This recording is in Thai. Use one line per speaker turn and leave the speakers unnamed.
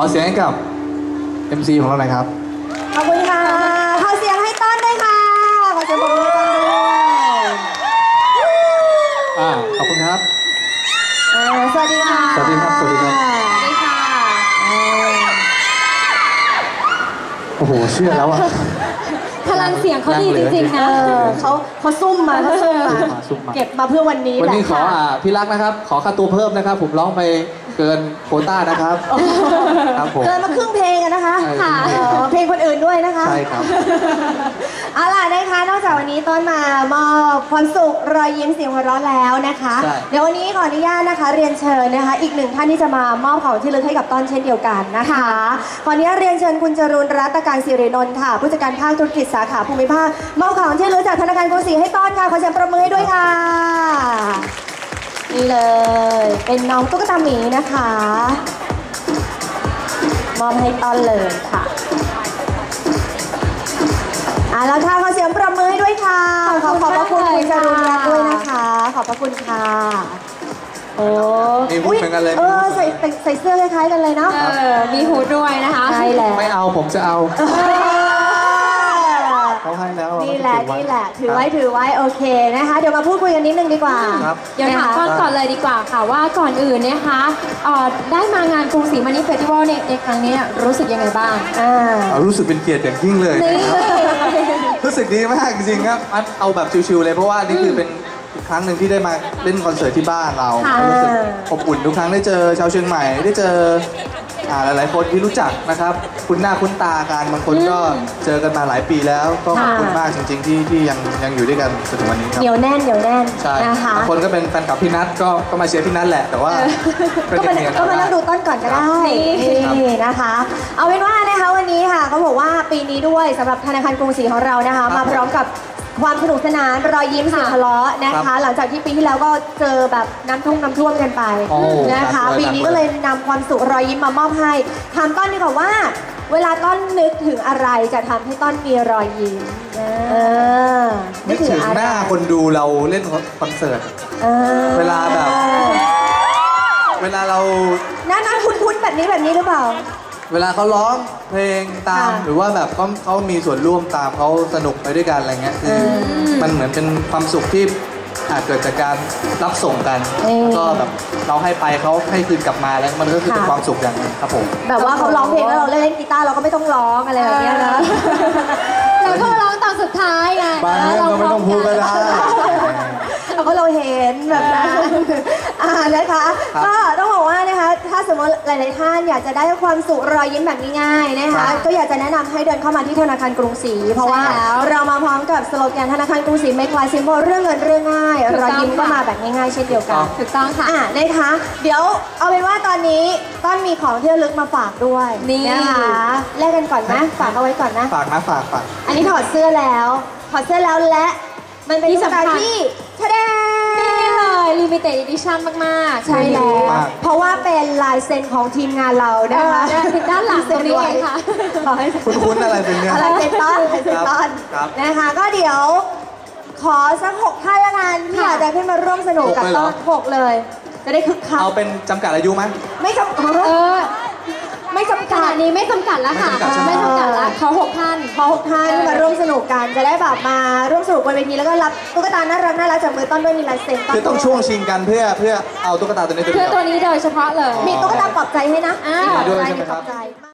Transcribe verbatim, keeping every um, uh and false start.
อเสียงให้กับ เอ็ม ซี ของเราหน่อยครับ
ขอบคุณค่ะขอเสียงให้ต้นด้วยค่ะขอเสียงปรบมือให้ต้นด้วย
อ่าขอบคุณครับ
สวัสดีค่ะ
สวัสดีครับสวัสดีครับ
สวัสดีค่ะ
โอ้โหเชื่อแล้วอ่ะ
พลังเสียงเขาดีจริงๆนะ
เขาเขาซุ่มมาเขาซุ่มมาเก็บมาเพื่อวันนี้
วันนี้ขออ่าพี่รักนะครับขอค่าตัวเพิ่มนะครับผมร้องไปเกินโควต้านะครับครับผม
เกินมาครึ่งเพลงกันนะคะ
ค่ะ
เพลงคนอื่นด้วยนะคะ
ใช่ครับ
เอาล่ะนะคะนอกจากวันนี้ต้นมามอบความสุขรอยยิ้มเสียงหัวเราะแล้วนะคะเดี๋ยววันนี้ขออนุญาตนะคะเรียนเชิญนะคะอีกหนึ่งท่านที่จะมามอบของที่ระลึกให้กับต้นเช่นเดียวกันนะคะขออนุญาตเรียนเชิญคุณจรูนรัตการศิรินนท์ค่ะผู้จัดการภาคธุรกิจสาขาภูมิภาคมอบของที่ระลึกจากธนาคารกรุงศรีให้ต้นค่ะขอเสียงปรบมือให้ด้วยค่ะนี่เลยเป็นน้องตุ๊กตาหมีนะคะมอบให้ต้นเลยค่ะอ่ะแล้วค่ะขอเสียงปรบมือให้ด้วยค่ะขอขอบพระคุณคุณจรูนรัตน์ด้วยนะคะขอบพระคุณค่ะโอ้
มีฮูดเหมือนกันเลย
เออใส่ใส่เสื้อคล้ายๆกันเลยเนาะ
มีฮูดด้วยนะคะ
ใช่แล้ว
ไม่เอาผมจะเอาเขาให้แล้ว
นี่แหละนี่แหละถือไว้ถือไว้โอเคนะคะเดี๋ยวมาพูดคุยกันนิดนึงดีกว่า
เดี๋ยวถามก่อนก่อนเลยดีกว่าค่ะว่าก่อนอื่นนะคะได้มางานกรุงศรีมานิเฟสติวัลในครั้งนี้รู้สึกยังไงบ้าง
รู้สึกเป็นเกียรติอย่างยิ่งเลยรู้สึกดีมากจริงๆครับเอาแบบชิวๆเลยเพราะว่านี่คือเป็นอีกครั้งหนึ่งที่ได้มาเล่นคอนเสิร์ตที่บ้านเรารู้สึกอบอุ่นทุกครั้งได้เจอชาวเชียงใหม่ได้เจอหลายๆคนที่รู้จักนะครับคุณหน้าคุ้นตากันบางคนก็เจอกันมาหลายปีแล้วก็ขอบคุณมากจริงๆที่ที่ยังยังอยู่ด้วยกันจนถึงวันนี้ครับ
เหนียวแน่นเหนียวแน่น
ใช่บางคนก็เป็นแฟนคลับพี่นัทก็ก็มาเชียร์พี่นัทแหละแต่ว่า
ก็มาก็มานั่งดูต้นก่อนก็ได้นี่นะคะเอาเป็นว่านะคะวันนี้ค่ะเขาบอกว่าปีนี้ด้วยสำหรับธนาคารกรุงศรีของเรานะคะมาพร้อมกับความสนุกสนานรอยยิ้มเสียงทะเลาะนะคะหลังจากที่ปีที่แล้วก็เจอแบบน้ำท่วมน้ำท่วมกันไปนะคะปีนี้ก็เลยนำความสุขรอยยิ้มมามอบให้ถามต้นดีกว่าว่าเวลาต้นนึกถึงอะไรจะทำให้ต้นมีรอยยิ้ม
นึกถึงหน้าคนดูเราเล่นคอนเสิร์ตเวลาแบบเวลาเรา
หน้าหน้าคุ้นๆแบบนี้แบบนี้หรือเปล่า
เวลาเขาร้องเพลงตามหรือว่าแบบเขาเขามีส่วนร่วมตามเขาสนุกไปด้วยกันอะไรเงี้ยคือมันเหมือนเป็นความสุขที่อาจเกิดจากการรับส่งกันก็แบบเราให้ไปเขาให้คืนกลับมาแล้วมันก็คือเป็นความสุขอย่างนึงครับผม
แบบว่าเขาร้องเพลงแล้วเราเล่นกีตาร์เราก็ไม่ต้องร้องอะไรแบบนี้นะ
เราก็ร้องตอนสุดท้ายไง
บางเรื่องก็ไม่ต้องพูดก็ได้
เพราะเราเห็นแบบนั้นอ่านะคะก็ต้องบอกว่านะคะถ้าสมมติหลายๆท่านอยากจะได้ความสุขรอยยิ้มแบบง่ายๆนะคะก็อยากจะแนะนำให้เดินเข้ามาที่ธนาคารกรุงศรีเพราะว่าเรามาพร้อมกับสโลแกนธนาคารกรุงศรี Make Life Simple เรื่องเงินเรื่องง่ายรอยยิ้มก็มาแบบง่ายๆเช่นเดียวกัน
ถูกต้องค่ะ
อ่านะคะเดี๋ยวเอาเป็นว่าตอนนี้ต้นมีของที่ระลึกมาฝากด้วยนี่นะคะแลกกันก่อนนะฝากเอาไว้ก่อนนะ
ฝากนะฝากฝาก
อันนี้ถอดเสื้อแล้วถอดเสื้อแล้วและมันเป็นสถานที่แสดง
นี่เลยลิมิเต็ดอีดิชั่นมากๆ
ใช่แล้วเพราะว่าเป็นลายเซ็นของทีมงานเรานะคะ
ด้านหลังตรงนี้เองค่ะ
คุ้นๆอะไรเป็นเนี่ย
อะไรเป็นต้นอะไรเป็นต้นนะคะก็เดี๋ยวขอสักหกท่านละกันที่อยากจะขึ้นมาร่วมสนุกกับต้นหกเลยจะได้คึกคัก
เอาเป็นจำกัดอายุไหม
ไม่จำกัด
เออไม่จำกัดนี้ไม่จำกัดแล้วค่ะไม่จำกัดแล้วเขาหกท่าน
ขอหกท่านมาร่วมสนุกกันจะได้แบบมาร่วมสนุกบนเวทีแล้วก็รับตุ๊กตาน่ารักน่ารักจากมือต้นด้วยมีลายเซ็น
คือต้องช่วงชิงกันเพื่อเพื่อเอาตุ๊กตาตัวนี้
เพื่อตัวนี้โดยเฉพาะเลย
มีตุ๊กตาปลอบใจให้นะ
อ่า
ปลอบใจ